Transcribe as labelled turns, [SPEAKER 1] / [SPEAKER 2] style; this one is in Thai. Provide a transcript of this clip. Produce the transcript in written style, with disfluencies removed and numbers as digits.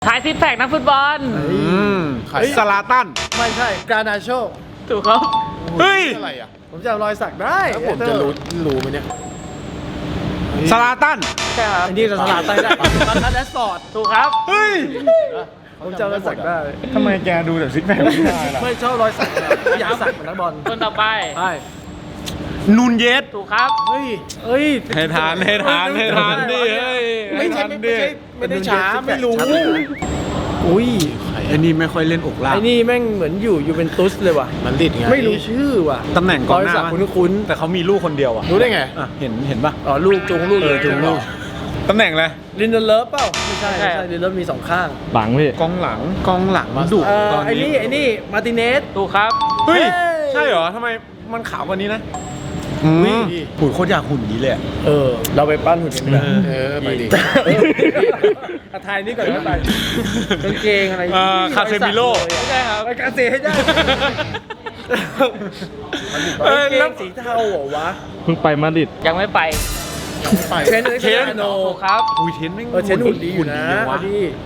[SPEAKER 1] ทายซิปแพคนักฟุตบอล
[SPEAKER 2] สลาตัน
[SPEAKER 3] ไม่ใช่กรานาโช
[SPEAKER 1] ถูกครับ
[SPEAKER 2] เฮ้ย
[SPEAKER 4] อะไรอ่ะ
[SPEAKER 3] ผมจำรอยสักได้
[SPEAKER 4] แล้วผมจะรู้ไหมเนี่ย
[SPEAKER 2] สลาตัน
[SPEAKER 1] ใช่ครับ
[SPEAKER 3] อันนี้เราสลัดไปได้มาคัสแอสฟอร์ด
[SPEAKER 1] ถูกครับ
[SPEAKER 2] เฮ้ย
[SPEAKER 3] ผมจำรอยสักได้
[SPEAKER 2] ทำไมแกดูแต่ซิกแพคไม่ได้ล่ะ
[SPEAKER 3] ไม่ชอบรอยสักอยากสักเหมือนนักบอล
[SPEAKER 1] คนต่อไป
[SPEAKER 3] ใช่
[SPEAKER 2] นูนเยส
[SPEAKER 1] ถูกครับ
[SPEAKER 3] เฮ้ยเฮ้ย
[SPEAKER 2] ให้ทานให้ทานให้ทานดิเฮ้ย
[SPEAKER 4] ไม่ใช่
[SPEAKER 2] ให้ทาน
[SPEAKER 4] ไม่
[SPEAKER 2] ดิ
[SPEAKER 4] ใช่ไม่ได้ช้าไม่รู้
[SPEAKER 3] อุ้ย
[SPEAKER 2] ไอ้นี่ไม่ค่อยเล่นอกล่าง
[SPEAKER 3] ไอ้นี่แม่งเหมือนอยู่ยูเวนตุสเลยว่ะ
[SPEAKER 4] มันดิดไง
[SPEAKER 3] ไม่รู้ชื่อว่ะ
[SPEAKER 2] ตำแหน่งก
[SPEAKER 3] ร
[SPEAKER 2] อง
[SPEAKER 3] อย
[SPEAKER 2] หน้า
[SPEAKER 3] สัก
[SPEAKER 2] ปะ
[SPEAKER 3] คุ้น
[SPEAKER 2] แต่เขามีลูกคนเดียวอ่ะ
[SPEAKER 4] รู้ได้ไง
[SPEAKER 2] อ่ะเห็นป่ะ
[SPEAKER 3] ๆอ๋อลูกจูงลูก
[SPEAKER 2] จูงลูกตำแหน่งอะไร
[SPEAKER 3] ลินเดอร์เลิฟเปล่าไม่ใช่ไม่ใช่ลินเดอร์เลิฟมีสองข้าง
[SPEAKER 5] หลังพี่
[SPEAKER 2] กองหลังดุตอน
[SPEAKER 3] ไอ้
[SPEAKER 2] นี้
[SPEAKER 3] นี่มาร์ติเนส
[SPEAKER 1] ถูกครับ
[SPEAKER 2] เฮ้ย
[SPEAKER 3] เฮ้ย
[SPEAKER 2] ใช่เหรอทำไมมันขาวกว่านี้นะหุ่นโคตรอยากหุ่นนี้เลยอะ
[SPEAKER 3] เราไปปั้นหุ่นกันดีกว่า
[SPEAKER 4] ไปดิ
[SPEAKER 3] อาทายนี่ก่อนนะไปกางเกงอะไร
[SPEAKER 2] คาเซมิโล
[SPEAKER 1] ไม่ใช่ครับ
[SPEAKER 3] ไปกางเกงให้ได้
[SPEAKER 2] เอ้ย
[SPEAKER 3] กางเก
[SPEAKER 2] แล้ว
[SPEAKER 3] งสีเทาเหรอวะ
[SPEAKER 5] เพิ่งไปมาดริด
[SPEAKER 1] ยังไม่ไป
[SPEAKER 3] เทรนด์
[SPEAKER 2] เทรนด์
[SPEAKER 3] โน
[SPEAKER 1] ถูกครับ
[SPEAKER 2] อุ้ยเทนแม่ง
[SPEAKER 3] เทรนด์หุ่นดีอยู่นะ
[SPEAKER 2] จังวะ
[SPEAKER 3] ดี